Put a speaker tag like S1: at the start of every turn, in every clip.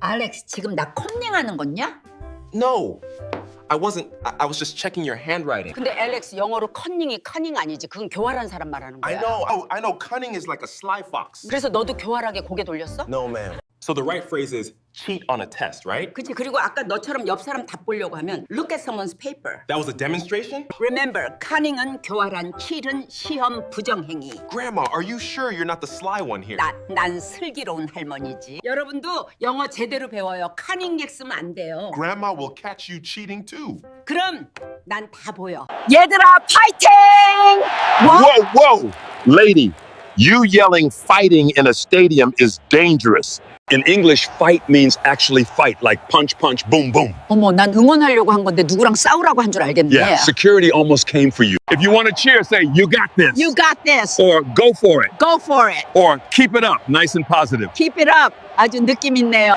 S1: 알렉스, 지금 나 컨닝하는 거냐?
S2: No, I wasn't. I was just checking your handwriting.
S1: 근데 알렉스, 영어로 컨닝이 커닝 아니지. 그건 교활한 사람 말하는 거야.
S2: I know. Oh, I know. Cunning is like a sly fox.
S1: 그래서 너도 교활하게 고개 돌렸어?
S2: No, ma'am. So the right phrase is cheat on a test, right?
S1: 그치. 그리고 아까 너처럼 옆 사람 답 보려고 하면 look at someone's paper.
S2: That was a demonstration?
S1: Remember, cunning은 교활한, cheat은 시험 부정행위.
S2: Grandma, are you sure you're not the sly one here?
S1: 난 슬기로운 할머니지. 여러분도 영어 제대로 배워요. cunning 쓰면 안 돼요.
S2: Grandma will catch you cheating too.
S1: 그럼 난 다 보여. 얘들아, 파이팅!
S3: Whoa, whoa! Lady, you yelling fighting in a stadium is dangerous. In English, fight means actually fight, like punch, punch, boom, boom.
S1: 어머, 난 응원하려고 한 건데 누구랑 싸우라고 한 줄 알겠네.
S3: Yeah, security almost came for you. If you want to cheer, say, you got this.
S1: You got this.
S3: Or go for it.
S1: Go for it.
S3: Or keep it up, nice and positive.
S1: Keep it up. 아주 느낌 있네요.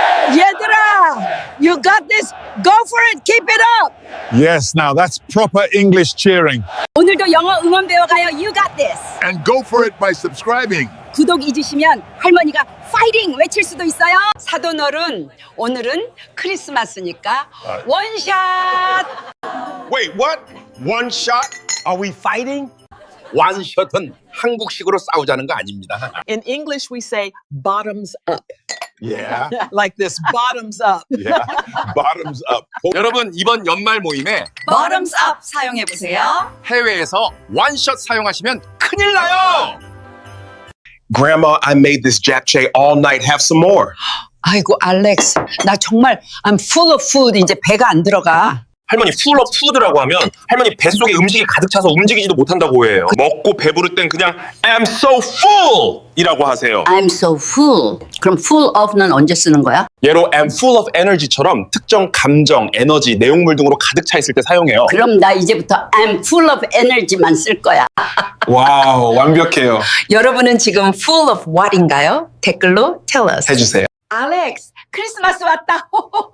S1: 얘들아, you got this. Go for it. Keep it up.
S3: Yes, now that's proper English cheering.
S1: 오늘도 영어 응원 배워가요. You got this.
S3: And go for it by subscribing.
S1: 구독 잊으시면 할머니가 파이팅 외칠 수도 있어요. 사돈어른, 오늘은 크리스마스니까 원샷.
S2: Wait, what? One shot? Are we fighting? 원샷은 한국식으로 싸우자는 거 아닙니다.
S4: In English, we say bottoms up.
S2: Yeah.
S4: Like this, bottoms up.
S2: Yeah. Bottoms up. 여러분, 이번 연말 모임에
S1: Bottoms up 사용해 보세요.
S2: 해외에서 원샷 사용하시면 큰일 나요. Grandma, I made this japchae all night. Have some more.
S1: 아이고 알렉스, 나 정말 I'm full of food. 이제 배가 안 들어가.
S2: 할머니 full of food라고 하면 할머니 뱃속에 음식이 가득 차서 움직이지도 못한다고 해요. 먹고 배부를 땐 그냥 I'm so full 이라고 하세요.
S1: I'm so full. 그럼 full of는 언제 쓰는 거야?
S2: 예로 I'm full of energy처럼 특정 감정, 에너지, 내용물 등으로 가득 차 있을 때 사용해요.
S1: 그럼 나 이제부터 I'm full of energy만 쓸 거야.
S2: 와우, 완벽해요.
S1: 여러분은 지금 full of what인가요? 댓글로 tell us.
S2: 해주세요.
S1: 알렉스, 크리스마스 왔다.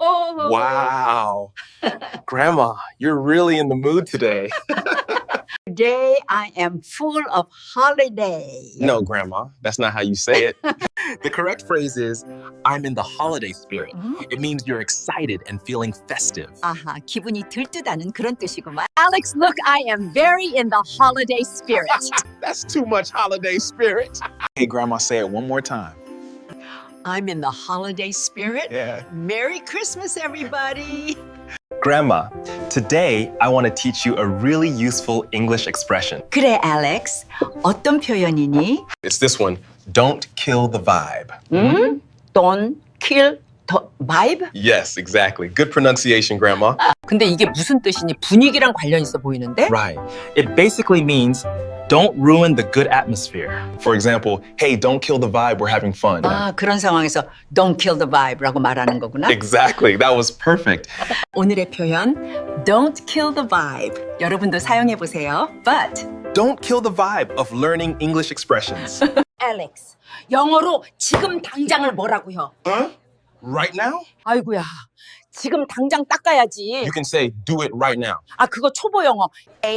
S2: Wow. Grandma, you're really in the mood today.
S1: Today I am full of holiday.
S2: No, Grandma, that's not how you say it. The correct phrase is I'm in the holiday spirit. It means you're excited and feeling festive.
S1: 아하, 기분이 들뜨다는 그런 뜻이구만. Alex, look, I am very in the holiday spirit.
S2: That's too much holiday spirit.
S5: Hey, Grandma, say it one more time.
S1: I'm in the holiday spirit.
S5: Yeah.
S1: Merry Christmas, everybody.
S6: Grandma, today I want to teach you a really useful English expression.
S1: 그래, Alex. 어떤 표현이니?
S2: It's this one. Don't kill the vibe.
S1: Don't kill the vibe?
S2: Yes, exactly. Good pronunciation, Grandma.
S1: 근데 이게 무슨 뜻이니? 분위기랑 관련 있어 보이는데?
S6: Right. It basically means don't ruin the good atmosphere.
S2: For example, hey, don't kill the vibe. We're having fun.
S1: 아, 그런 상황에서 don't kill the vibe라고 말하는 거구나.
S2: Exactly. That was perfect.
S1: 오늘의 표현 don't kill the vibe. 여러분도 사용해 보세요. But
S2: Don't kill the vibe of learning English expressions.
S1: Alex, 영어로 지금 당장을 뭐라고요?
S2: Huh? Right now?
S1: 아이고야, 지금 당장 닦아야지.
S2: You can say do it right now.
S1: 아, 그거 초보 영어.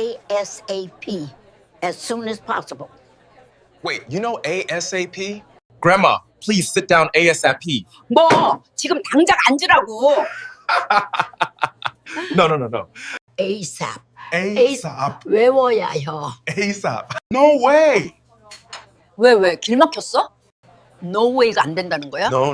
S1: ASAP, as soon as possible.
S2: Wait, you know ASAP? Grandma, please sit down ASAP.
S1: 뭐, 지금 당장 앉으라고.
S2: No.
S1: ASAP.
S2: ASAP.
S1: 외워야요.
S2: ASAP. No way.
S1: 왜? 길 막혔어? No way가 안 된다는 거야?
S2: No.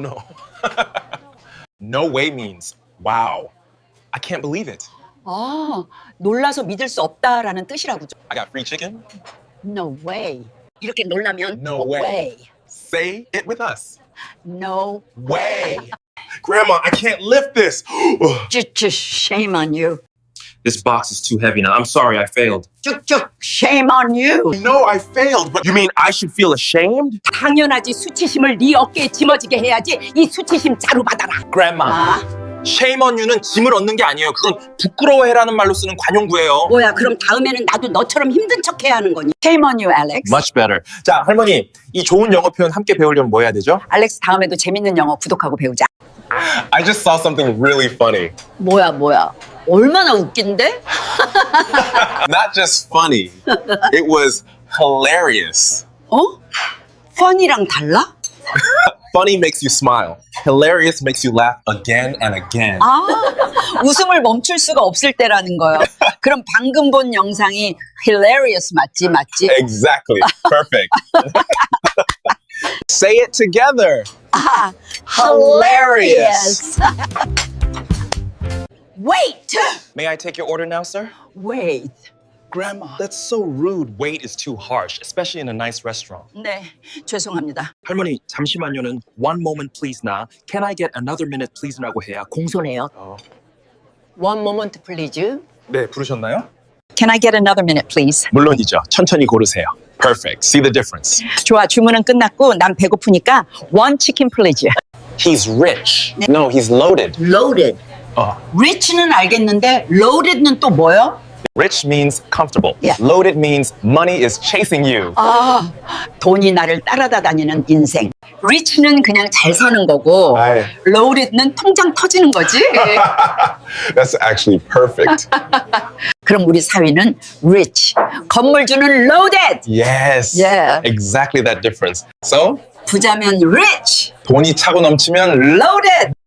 S2: No way means wow. I can't believe it.
S1: 아, 놀라서 믿을 수 없다라는 뜻이라고.
S2: I got free chicken.
S1: No way. 이렇게 놀라면
S2: No way. Say it with us.
S1: No
S2: Way. Grandma, I can't lift this.
S1: Just shame on you.
S2: This box is too heavy now. I'm sorry, I failed.
S1: 쭉쭉 shame on you.
S2: No, I failed. But you mean I should feel ashamed?
S1: 당연하지. 수치심을 네 어깨에 짊어지게 해야지. 이 수치심 자루 받아라.
S2: Grandma,
S1: 아,
S2: shame on you는 짐을 얻는 게 아니에요. 그건 부끄러워해라는 말로 쓰는 관용구예요.
S1: 뭐야? 그럼 다음에는 나도 너처럼 힘든 척 해야 하는 거니? Shame on you, Alex.
S2: Much better. 자, 할머니, 이 좋은 영어 표현 함께 배우려면 뭐 해야 되죠?
S1: 알렉스, 다음에도 재밌는 영어 구독하고 배우자.
S2: I just saw something really funny.
S1: 뭐야? 얼마나 웃긴데?
S2: Not just funny. It was hilarious.
S1: 어? fun이랑 달라?
S5: Funny makes you smile. Hilarious makes you laugh again and again.
S1: 웃음을 멈출 수가 없을 때라는 거예요. 그럼 방금 본 영상이 hilarious 맞지?
S5: Exactly. Perfect. Say it together.
S1: Hilarious. Wait.
S6: May I take your order now, sir?
S1: Wait.
S5: Grandma.
S6: That's so rude. Wait is too harsh, especially in a nice restaurant.
S1: 네, 죄송합니다.
S7: 할머니 잠시만요는 one moment please나 can I get another minute please라고 해야 공손해요.
S4: One moment, please.
S5: 네, 부르셨나요?
S1: Can I get another minute, please?
S5: 물론이죠. 천천히 고르세요. Perfect. See the difference.
S1: 좋아, 주문은 끝났고 난 배고프니까 one chicken, please.
S6: He's rich. No, he's loaded.
S1: Loaded. Rich는 알겠는데 loaded는 또 뭐요?
S6: Rich means comfortable.
S1: Yeah.
S6: Loaded means money is chasing you.
S1: 돈이 나를 따라다니는 인생. Rich는 그냥 잘 사는 거고
S5: 아이.
S1: loaded는 통장 터지는 거지.
S3: That's actually perfect.
S1: 그럼 우리 사위는 rich. 건물주는 loaded.
S5: Yes.
S1: Yeah.
S5: Exactly that difference. So,
S1: 부자면 rich.
S5: 돈이 차고 넘치면
S1: loaded.